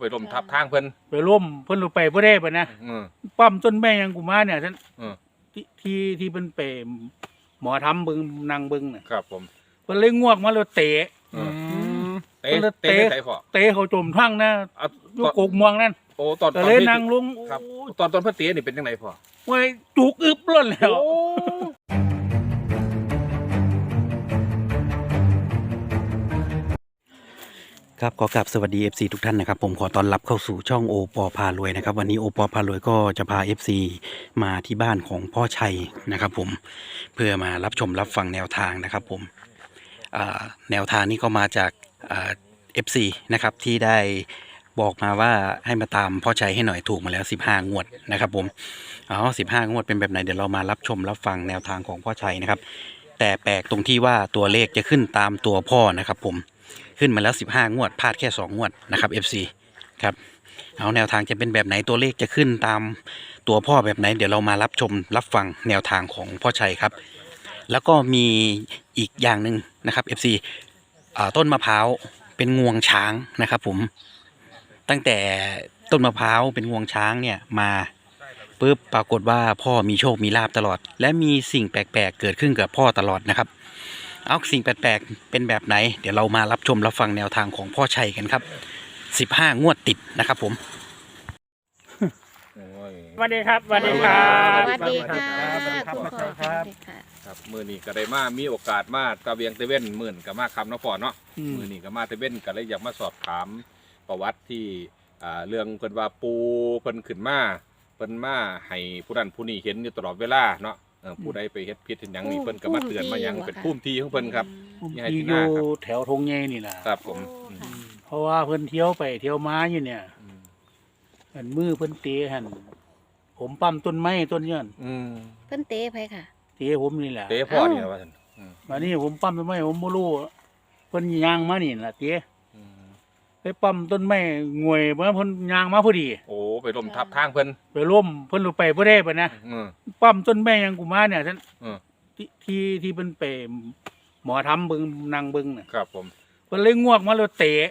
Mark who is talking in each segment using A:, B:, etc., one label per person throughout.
A: ไปล้มทับทางเพิ่น
B: ไปล้มเพิ่นลงไปบ่ได้ปะนะปั๊มต้นแม่ยังกูมาเนี่ยท่านที่เพิ่นไปหมอทำเบิ่งนั่งเบิ่งน่ะ
A: ครับผม
B: เพิ่นเลยงวกมาแล้วเตะ
A: เตะ
B: เขาจมทั้งนะอยู่กกม่วงนั่น
A: โอ้ตอน
B: เลยนั่งลง
A: ครับตอนเพิ่นเตะนี่เป็นจังไดพ่อ
B: โอ้ยจุกอึบล้นแล้ว
C: ครับขอกราบสวัสดี FC ทุกท่านนะครับผมขอต้อนรับเข้าสู่ช่องโอปอพารวยนะครับวันนี้โอปอพารวยก็จะพา FC มาที่บ้านของพ่อชัยนะครับผมเพื่อมารับชมรับฟังแนวทางนะครับผมแนวทางนี้ก็มาจากFC นะครับที่ได้บอกมาว่าให้มาตามพ่อชัยให้หน่อยถูกมาแล้ว15งวดนะครับผม15งวดเป็นแบบไหนเดี๋ยวเรามารับชมรับฟังแนวทางของพ่อชัยนะครับแต่แปลกตรงที่ว่าตัวเลขจะขึ้นตามตัวพ่อนะครับผมขึ้นมาแล้ว15งวดพลาดแค่2งวดนะครับ FC ครับเอาแนวทางจะเป็นแบบไหนตัวเลขจะขึ้นตามตัวพ่อแบบไหนเดี๋ยวเรามารับชมรับฟังแนวทางของพ่อชัยครับแล้วก็มีอีกอย่างหนึ่งนะครับ FC ต้นมะพร้าวเป็นงวงช้างนะครับผมตั้งแต่ต้นมะพร้าวเป็นงวงช้างเนี่ยมาปุ๊บปรากฏว่าพ่อมีโชคมีลาภตลอดและมีสิ่งแปลกๆเกิดขึ้นกับพ่อตลอดนะครับเอาสิ่งแปลกๆเป็นแบบไหนเดี๋ยวเรามารับชมรับฟังแนวทางของพ่อชัยกันครับ15งวดติดนะครับผม
B: สวัสดีครับสวัสดีครับ
D: สวัสดีค่ะคุณพ่อครับ
A: ครับมื้อนี้ก็ได้มามีโอกาสมาตะเวียงตะเว้นมื้อก็มาคำเนาะพ่อเนาะมื้อนี้ก็มาตะเว้นก็เลยอยากมาสอบถามประวัติที่เรื่องเพิ่นว่าปูเพิ่นขึ้นมาเพิ่นมาให้ผู้นั้นผู้นี้เห็นอยู่ตลอดเวลาเนาะผู้ใดไปเฮ็ดผิดเฮ็ดหยังนี่เพิ่นก็มาเตือนมาหยังเป็นภูมิที่ของเพิ่นครับ
B: ที่อยู่แถวทงใหญ่นี่ล่ะ
A: ครับผม
B: เพราะว่าเพิ่นเที่ยวไปเที่ยวมาอยู่เนี่ยอันมือเพิ่นเตะหั่นผมปั๊มต้นไม้ต้นย้อน
D: เพิ่นเตะไปค่ะ
B: เตะผมนี่แหละ
A: เตะพ่อนี่ว่าซั่น
B: มานี่ผมปั๊มต้นไม้ผมบ่รู้เพิ่นย่างมานี่ล่ะเตะไปปั๊มต้นไม้งวยบ่เพิ่นย่างมาพอดี
A: โอ้ไปล้มทับทางเพิ่น
B: ไปล้มเพิ่นลงไปบ่ได้ปะนะปั๊มต้นไม้ยังกูมาเนี่ยท่านที่เพิ่นไปหมอทำเบิ่งนั่งเบิ่งน่ะ
A: ครับผม
B: เพิ่นเลยงวกมาแล้วเตะ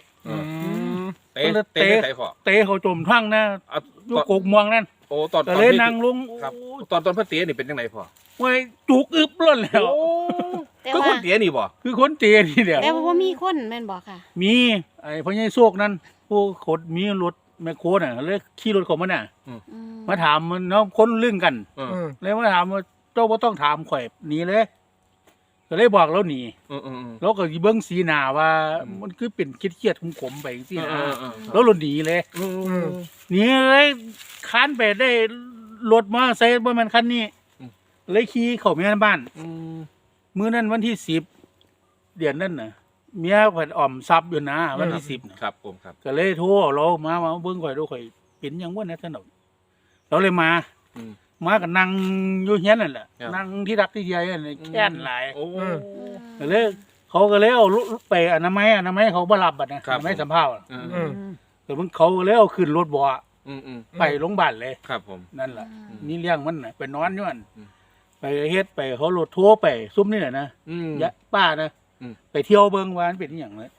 B: เขาจมทั้งนะอยู่กกม่วงนั่น
A: โอ้ตอน
B: เลยนั่งลง
A: ครับตอนเพิ่นเตะนี่เป็นจังไดพ่อ
B: โอ้ยจุกอึบล้นแล้ว
A: ก็คนเตะนี่บ่
B: คือคนเตะนี่แหละ
D: แต่ว่ามีคนแม่นบ่ค่ะ
B: มีไอ้พ่อใหญ่โชคนั่นผู้ขดมีรถแมคโครน่ะเลยขี่รถเข้ามาน่ะมาถามมันเนาะคนลึ่งกันเลยมาถามว่าเจ้าบ่ต้องถามข่อยหนีเลยก็เลยบอกแล้วหนีแล้วก็เบิ่งสีหน้าว่ามันคือเป็นเครียดๆขมๆไปจังซี่นะแล้วหนีเลยหนีเลยค้านไปได้รถมาใส่บ่แม่นคันนี้เลยขี่เข้าไปในบ้านมื้อนั้นวันที่10เดือนนั้นน่ะเมียเพิ่นอ้อมทรัพย์อยู่นะวันที่10
A: นะครับผมครับ
B: ก็เลยโทรเรามาเบิ่งข่อยดูข่อยเป็นหยังวะนะซั่นดอกเราเลยมาก็นั่งอยู่เฮียนนั่นแหละนั่งที่รักที่ใหญ่นั่นแค้นหลายก็เลยเขาก็เลยเอาไปอนามัยเขาบ่รับบัดนะอนามัยสำเภาแต่เพิ่นเขาก็เลยเอาขึ้นรถบ่ไปโรงพยาบาลเลย
A: ครับผม
B: นั่นแหละนี่เลี้ยงมันน่ะไปนอนอยู่นั่นไปเฮ็ดไปเขารถโทรไปซุ่มนี่แหละนะยะป้านะไปเที่ยวเบิ่งว่ามันเป็นหยังเลย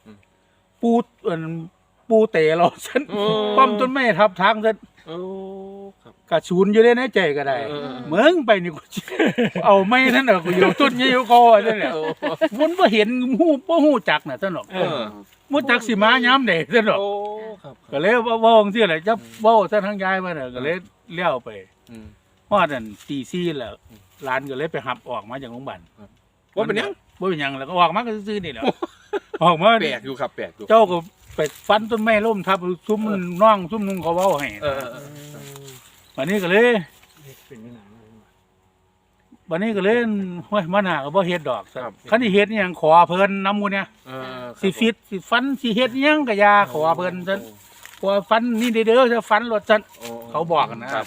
B: ปูเตะเราซั่นปั๊มต้นไม้ทับทางซั่นกระสูนอยู่ในใจก็ได้เมืองไปนี่กูเอาไม่นั่นน่ะกูอยู่ต้นนี้อยู่คอนั่นแหละมันบ่เห็นฮู้จักน่ะซั่นดอกบ่จักสิมายามใดซั่นดอกก็เลยเว้าจังซี่แหละจะเว้าซะทางยายมาน่ะก็เลยเลี้ยวไปฮอดนั่นตี4แล้วหลานก็เลยไปรับออกมาจากโรงพยาบาล
A: บ่เป็นหยัง
B: แล้วก็ออกมาก็ซื่อๆนี่แหละออกมา
A: แปลกอยู่ครับแปลกอยู่
B: เจ้าก็ไปฟันต้นไม้ล้มทับซุ้มน้องซุ้มนุ่งเขาเว้าให้วันนี้ก็เลยห้วยมันหาก็บ่เฮ็ดดอกคันที่เฮ็ดนี่หยังขอเพิ่นนำหมู่เนี่ยสิฟิตสิฟันสิเฮ็ดหยังก็อย่าขอเพิ่นซั่นขอฟันนี่เด้อจะฟันรถซั่นเขาบอกกันนะครับ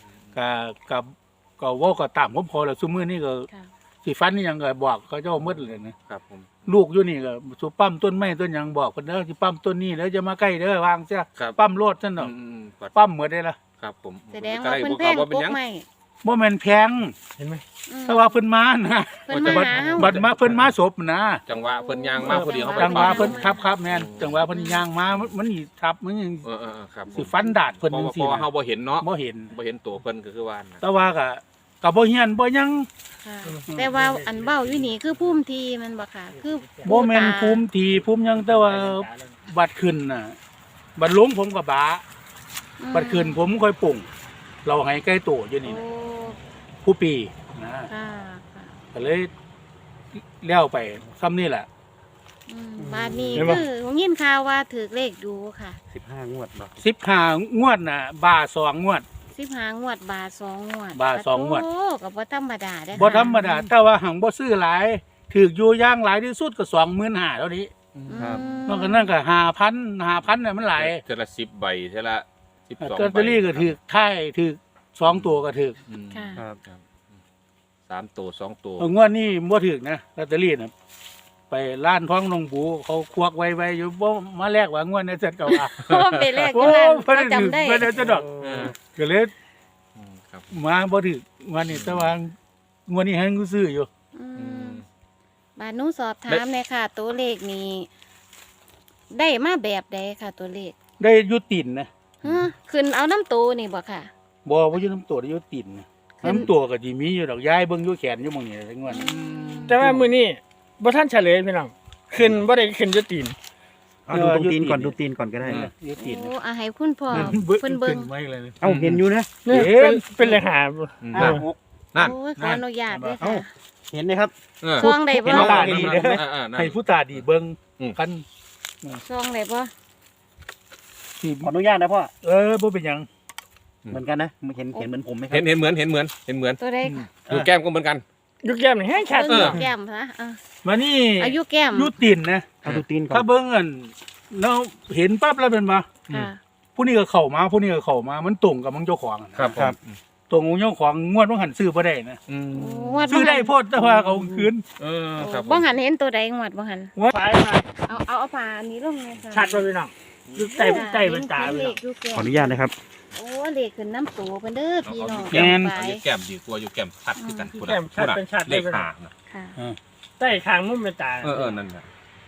B: ก็เว้าก็ตามผมพอแล้วซุมื้อนี้ก็สิฟันนี่หยังก็บอกเขาเจ้าหมดเลยนะครับผมลูกอยู่นี่ก็สุปั๊มต้นไม้ต้นหยังบอกเพิ่นเด้อสิปั๊มต้นนี้แล้วจะมาใกล้เด้อวางเสียปั๊มรถซั่นดอกปั๊มหมดได้ล่ะ
A: ครับผม
D: แสดงว่าเพิ่นแพงกกไม้
B: บ่แม่นแพง
E: เห็นไหม
B: แต่ว่าเพิ่นมานะ
D: เพิ่นมาหาเฮา
B: บัดมาเพิ่นมาศพนะ
A: จังหวะเพิ่นย่างมาพอดีเขาไป
B: จังหวะ
A: ปั๊ม
B: เพิ่นครับแม่นจังหวะเพิ่นย่างมามันนี่ทับมันยัง
A: ครับ
B: สิฟันดาดเพิ่น
A: เพ
B: จั
A: ราะ
B: ง
A: ว่า
B: ซี่
A: เฮาบ่เห็นเนาะ
B: บ่เห็น
A: บ่เห็นตัวเพิ่นก็คือว่านะ
B: แต่ว่าก็บ่เฮียนบ่หยัง
D: ค่ะแต่ว่าอันเบ้าอยู่นี่คือภูมิทีมันบ่ค่ะ คือ
B: บ่แม่นภูมิที่ภูมิหยังแต่ว่าบัดขึ้นน่ะบัดลงผมก็บาบัดขึ้นผมค่อยปุ่งเราให้ใกล้โตอยู่นี่
D: โอ้
B: นะผู้ปีนะ
D: ค่ะค่ะ
B: ก็เลยเลี้ยวไปซ้ำนี่แหละ
D: บ้านนี้
B: เห็นปะ
D: คือผมยินข่าวว่าถือเลขดูค่ะ
C: 15งวดบ่
B: 15งวดน่ะบา2งวด
D: 15งวดบาท2งวด
B: บาท2งวด
D: โอ้ก็บ่ธรรมดาเด้อ
B: บ่ธรรมดาแต่ว่าหังบ่ซื้อหลายถือกอยู่อย่างหลายที่สุดก็25,000เท่านี้
A: ครับ
B: นอกจากนั้นก็5,000น่ะมันหลาย
A: เทอละ10ใบเทอละ12
B: ลอตเตอรี่ก็ถือกท้ายถือก2ตัวก็ถือก
D: ค่ะ
A: ครับ3ตัว2ตัว
B: งวดนี้บ่ถือกนะลอตเตอรี่น่ะไปร้านท้องนงปูเขาควักไว้อยู่บ่มาแลกว่างวดนี้เสร็จก็ว่า
D: โอ้ไปแรกอ
B: โอ้
D: ยู่นั่น
B: เพิ่น
D: ก็
B: ได้ถือ
D: จำได้
B: เพิ่นได้จะดอก ก็เลย
A: ครับ
B: มาบ่ถือกวันนี้แต่ว่างวดนี้ให้กูซื้ออยู่
D: อืมบาทหนูสอบถามเลยค่ะ ตัวเลขนี้ได้มาแบบใดค่ะ ตัวเลข
B: ได้อยู่ติ่นนะ
D: ฮะขึ้นเอาน้ำตูนี่บ่ค่ะ
B: บ่อยู่น้ำตัวได้อยู่ติ่นนะ
D: ขึ้น
B: น้ำตัวก็สิมีอยู่ดอกย้ายเบิ่งอยู่แขนอยู่หม่องนี้ทั้งวัน
E: แต่ว่ามื้อนี้บ่ทันเฉลยพี่น้องขึ้นบ่ได้ขึ้นจะตีน
C: เอาดูตรงตีนก่อนดูตีนก่อนก็ได้นะ
B: อยู่ติ่น
D: โอ้อาให้คุณพ่อ
B: เบิ่ง
D: เพิ่นเบิ่ง
B: ไว้เลย
C: เอ้าเห็นอยู่นะ
E: นี่
B: เห็น
E: เป็นเลขหา
A: นั่น นั่น
D: โอ้ยขออนุญาตด้วย
C: เอ้า
D: ค่ะ
C: เห็นไหมครับ
D: ซองได้บ่
B: เห็นตาดีเด้อ
A: นั่น
B: ให้ผู้ตาดีเบิ่ง
A: อืม
B: กัน
D: ซองได้บ่
B: ที่
C: ขออนุญาตนะพ่อ
B: บ่เป็นหยัง
C: เหมือนกันนะเห็นเหมือนผมไหมครั
A: เห็นเหมือน
D: ตัวใด
A: ดูแก้มก็เหมือนกัน
E: ยุกแก้มนี่แห้งชัด
D: เบิ่ง
E: เนาะ
D: แก้มซะอ่ะ
B: มานี่
D: อายุแก้ม
B: อยู่ติ่นนะ
C: เอาดูตีนก่อ
B: ถ้าน เบิ่งอันแล้วเห็นปั๊บแล้วเป็นมา
D: ค่ะ
B: ผู้นี้ก็เข้ามาผู้นี้ก็เข้ามามันตรงกับของเจ้าของอะนะ
A: ครับ
B: ตรงของเจ้าของงวดบ่หันซื้อบ่ได้นะ
A: อืม
D: โอ้งวด
B: ซื้อได้โพดแต่ว่าเขาคืน
A: ครับ
D: บ่หันเห็นตัวใดงวดบ่หัน
E: ไปมา
D: เอาผ้าอันนี้ลงเลยค่ะ
E: ชัดบ่พี่น้องยุกใต้เป็นตา
D: เล
E: พี่น้อ
D: ข
E: ง
D: อยู่แก้ม
C: ขออนุญาตนะครับ
D: โอ้เลขขึ้นน้ำตูเพิ่นเด้อพี่น้อง
B: แม่น
D: ไป
A: อยู่แก้มดีกว่าอยู่แก้มชัดคือกันพูด
E: แก้มชัดเป็นชัด
A: เลขหา
D: ค่ะ
E: ใต้คางมุมเป็นตา
A: นั่นแหละ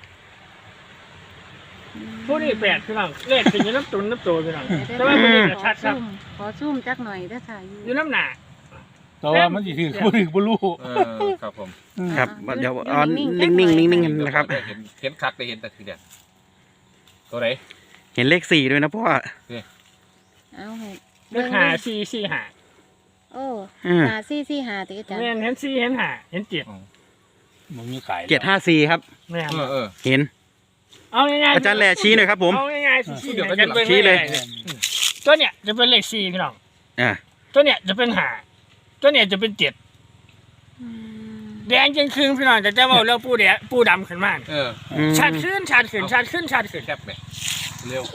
E: ผู้นี้แปลกพี่น้องเลขเป็นอยู่น้ำตุนน้ำตัวพี่น้องแต่ว่ามื้อนี้ก็ชัดครับ
D: ขอซูมจักหน่อยเด้อค่ะ
E: อยู่น้ำหนา
B: แต่ว่ามันสิถือบ่ถือบ่รู้
A: ครับผม
C: ครับเดี๋ยวเอานิ่งๆนะครับ
A: เห็นคักได้เห็นแต่ทีเดียวตัวไหน
C: เห็นเลข4ด้วยนะพ่อ
D: เอาให้
E: เลขหา4 4หา
D: โอ้
C: อืม
D: หาซี่หาติจ้ะ
E: แม่นเห็น4เห็นหาเห็น7
B: มันมีขาย
C: 754ครับ
E: แม่น
C: เห็น
E: เอาง่ายๆ
C: อาจารย์แหล่ชี้หน่อยครับผม
E: เอาง่ายๆชี้
A: เดี๋ยวก็
E: กันเบิ่ง
C: ชี้เลย
E: ตัวเนี้ยจะเป็นเลข4พี่น้อง
C: อ่า
E: ตัวเนี้ยจะเป็นหาตัวเนี้ยจะเป็น7
D: อืม
E: แดงจริงคืนพี่น้องแต่จะบอกเรื่องปูดำขึ้นมาเนี่ย ชัดขึ้นชัดขึ้นชัดขึ้นชัดขึ้น
A: แคบไหมเร็ว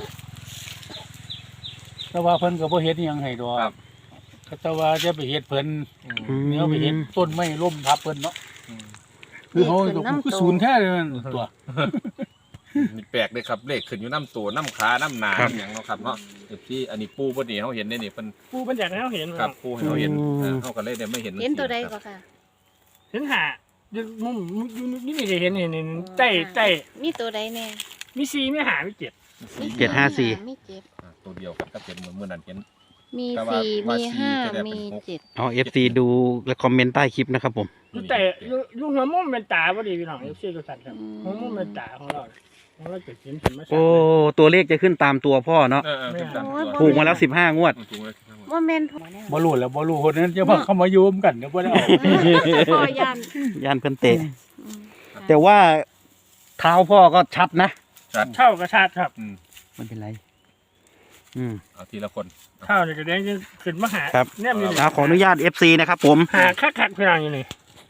B: แต่ว่าเพิ่นก็บ่เฮ็ดอิหยังให้ดอก
A: ครับ
B: แต่ว่าจะไปเฮ็ดเพิ่น
C: อืม
B: เดี๋ยวไปเฮ็ดต้นไม้ล้มทับเพิ่นเนาะคือเขาคือศูนย์แท้เลยมันตัว
A: มีแปลกเลยครับเลขขึ้นอยู่น้ำตัวน้ำขาน้ำหนาอย่างเนาะครับเนาะที่อันนี้ปูพอดีเขาเห็นได้นี่เป็น
E: ปูเป็นอย่างนั้นเขาเห็น
A: ครับปูให้เขาเห็นเขาก็เลยได้ไม่เห็น
D: เห็นตัวใดก็ค่ะ
E: เห็นหาอยู่มุมอยู่นี่ไม่ได้เห็นเห็นใต้
D: มีตัวใดแน่
E: มี4มีหามี7
D: มี
C: 754
D: มีเจ็ด
A: ตัวเดียวกันก็เป็นเหมือนเมื่อนั้นเห็น
D: มี
A: แต่ว่า
D: สี่
A: ว่า
D: มี
A: สี่
D: ห้า
A: จะได้เป็น
D: มี
A: หก
D: เจ็ด
C: เอา FC ดูและคอมเมนต์ใต้คลิปนะครับผม
E: แต่อยู่หัวมุมเป็นตาพอดีพี่น้องเอฟซีทุกท่านครับหัวมุมเป็นตาของเราจะเห็นมา
C: โอ้ตัวเลขจะขึ้นตามตัวพ่อเนาะถูกมาแล้ว15งวด
A: ถูกเลย
D: ว่าแม่นพอ
B: บ่รู้แล้วบ่รู้คนนั้นจะมาเข้ามาโยมกันเดี๋ยวบ่ได้เอา
D: พอยัน
C: ย่านเพิ่นเตะ
D: อืม
C: แต่ว่าเท้าพ่อก็ชัดนะ
E: เท่ากระชาติครับ
C: ไม่เป็นไร
A: เอาทีละคน
E: เท่านี่ก็แดงจะขึ้นมาหา
C: ครับ
E: เนี่ยมี
C: ขออนุญาต FC นะครับผม
E: หาคักพี่น้องอยู่นี่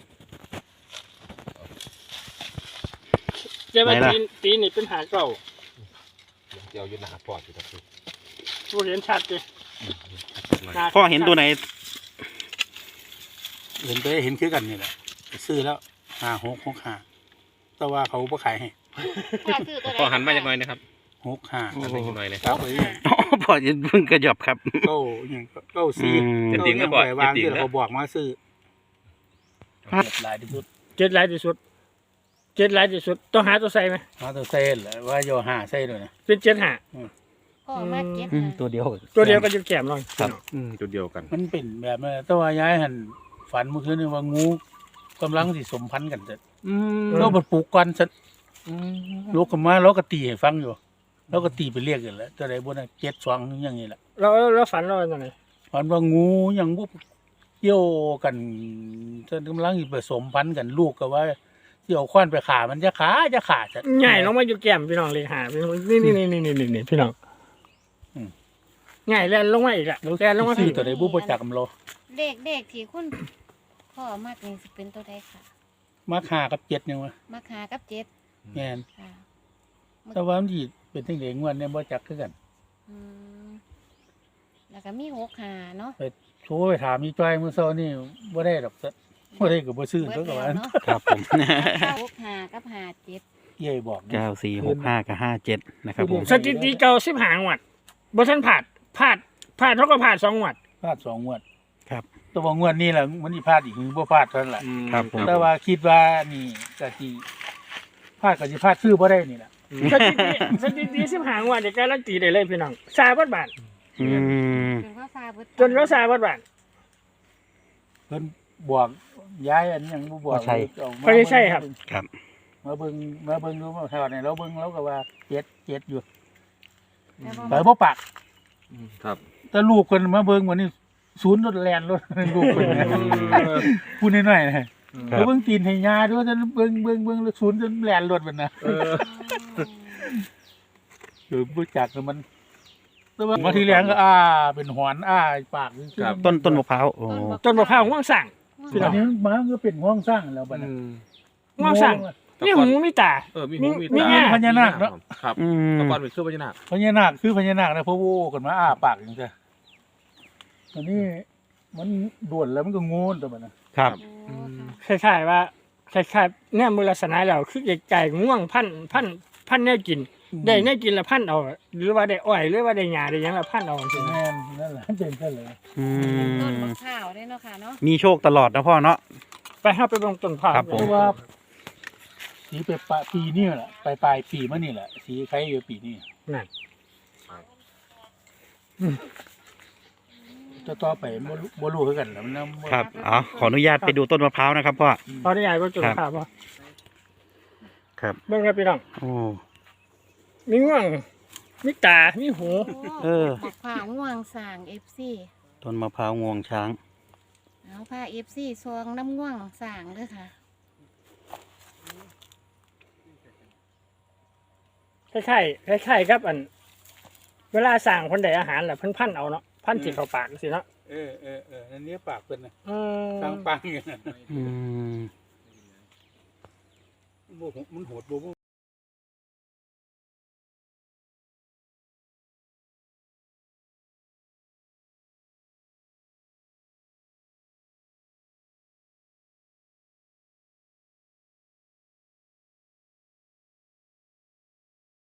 E: เจ้าตีนี่เป็นหาเก่า
A: เดี๋ยวยืนหน้าปอดอยู่ตรงนี้
E: ผู้เห็นชัดเลย
C: พ่อเห็นตัวไหน
B: เห็นไปเห็นคือกันนี่แหละซื้อแล้ว5665แต่ว่าเขาบ่ขายให้
A: พอหันมาจากหน่อยนะครับ
B: 65
A: หันมาจากหน่อยเลย
B: ครับไป
C: อ๋อพอพ่อจะเพิ่งกระหยอบครับ
B: เก้าอย่างเก้าสี่
A: จะติ่งก็
B: เก้า
A: บ่
B: อย่างวางที่เขาบอกมาซื้อหลายที่สุด
E: เจ็ดหลายที่สุดเจ็ดหลายที่สุดต้องหาตัวใส่ไหม
B: มาตัวเส้นแหละว่าโยหาเส้นเลยนะ
E: เป็นเจ็ดหา
D: พ่อมาเก็ต
C: อืม
D: นะ
B: ตัวเดียว
E: ตัวเดียวก็จะแก้มลอง
C: ครับ
A: จุดเดียวกัน
B: มันเป็นแบบนั้นแต่ว่าย้ายหันฝันเมื่อคืนนี่ว่างูกำลังสิสมพันธ์กันเสร็จเราบัดปลูกก่อนเสร็จลูกขึ้นมาเราก็ตีให้ฟังอยู่เราก็ตีไปเรียกกันแล้วตัวใดบนนั้น7-2อย่างนี้แหละ
E: เราฝันเราตอนไหน
B: ฝันว่างูยังบุกเกี่ยวกันจนกำลังสิผสมพันธุ์กันลูกก็ว่าเกี่ยวคว้านไปขามันจะขาจะ
E: ใหญ่ลงมาอยู่แก้มพี่น้องเลยหาพี่น้องนี่พี่น้องใหญ่แล่นลงมาอีกอะ
B: แล้ว
E: แล่นลงมา
B: ซื้
E: พี่
B: อตัวใดบุประจักษ์กำโล
D: เลขที่คุณพ่อมากนี่สิเป็นตัวใดค่ะ
B: มาขากับ7ยังวะ
D: มาหากับเจ็ด
B: แม่น
D: ค่ะ
B: แต่ว่ามันสิเป็นจังได๋งวดเนี่ยบ่จักคือกัน
D: อืมแล้วก็มี6หาเนาะ
B: โทรไปถามอีจ้อยมื้อเช้านี่บ่ได้ดอกซะบ่ได้ก็บ่ซื้อ
D: เบิ
B: ตัว
D: ด
B: ก็
D: แล้ว
B: ว่า
D: เนาะ
C: ครับผม
D: 6หากับหาเจ็ด
B: เย้ยบอกนะ
C: 9465กับ57นะครับผม
E: สถิติเก่า10หางวัดบ่ทันผ่านเท่ากับผ่าน2งวด
B: พลาด2งวด
C: ครับ
B: แต่ว่างวดนี้ล่ะมันสิพลาดอีกหรือบ่พลาดเท่านั้นแหละ
C: ครับผม
B: แต่ว่าคิดว่านี่ก็สิพลาดก็สิพลาดซื้อบ่ได้นี่ล่ะ
E: สถิติ10หางวัดเนี่ยการันตีได้เลยพี่น้องซาบัดบาท
C: อืม
D: จนว่าซาเบิด
E: จนเขาซาบัดบาท
B: เพิ่นบอกย้ายอันยังบ่บอก
C: บ่ใช่
B: เอามา
E: ไม่ใช่ครับ
C: ครับ
B: มาเบิ่งดูมาเท่าไหร่เราเบิ่งเราก็ว่าเจ็ดอยู่
D: แล้วก็
B: แต่บ่ปาก
A: ครับ
B: แต่ลูกเพิ่นมาเบิ่งวันนี้ศูนย์รถแล่นรถ ลูกเพิ่นนะพูดน้อยๆนะแล้วเบิ่งตีนให้ยาด้วยจนเบิ่งแล้วศูนย์จนแล่นรถมันนะบ่จักแล้วมันแต่ว่ามาทีแรกก็เป็นหอนปาก
A: ครับ
C: ต้นมะพร้าวโอ้
E: จนมะพร้าวง่วงสั่ง
B: ทีนี้มันก็เป็นห้องสร้างแล้วบัดนั้น
E: ง่วงสั่งนี่หูมีตา
A: มีหูมี
E: มี
A: ตา
E: แง่
B: พญานาคเนาะ
A: ครับ
C: อืม
A: ตะกอนเป็นคือพญานาค
B: พญานาคคือพญานาคนะเพราะโว้กันมาปากจังซี่อันนี้มันด่วนแล้วมันก็งูนตัวมันนะครับ
D: โอ้ค่ะ
E: คล้ายๆว่าคล้ายๆเนี่ยมือลักษณะแล้วคือไก่ง่วงพันแน่กิน ได้แน่กินแล้วพันเอา หรือว่าได้อ้อยหรือว่าได้หญ้าได้หยังแล้วพันเอาจริง
B: แม่นนั่นแหละเป็นซะเลย
C: อื
D: ต้น
C: ม
D: มะพร้าวได้เนาะค่ะเนาะ
C: มีโชคตลอดนะพ่อเนาะ
E: ไปห้าไปเบงต้นพร้าว
C: ครับ
B: เพ
C: ผม
B: ราะว่าสีไปปีนี้แหละปลายปีมานี่แหละสีใครอยู่ปีนี้
E: นั่น
B: ต่อไปบ่รู้คือกันแหล้วมันบ่
C: ครับอ๋อขออนุญาตไปดูต้นมะพร้าวนะครับพ่อ
E: ตอนนี้ยายก็ต้นพร้าวป่ะ
C: ครับ
E: เบิ่งครับพี่น้อง
C: โอ้
E: มีง่วงมีตามีหู
C: เออ
D: มะพร้าวง่วงสร้าง FC
C: ต้นมะพร้าวงวงช้าง
D: เอาผ้า FC ซองน้ำง่วงสร้างเด้อค่ะ
E: คล้ายๆครับอัน เวลาสั่งคนใดอาหารแหละเพิ่นพันเอาเนาะพันจิเข้าปากสิเนาะ
B: อันนี้ปากเพิ่นน่ะ
E: อืม
B: ทางปังอย่างนั้น
C: อืม
B: มันโหดบ่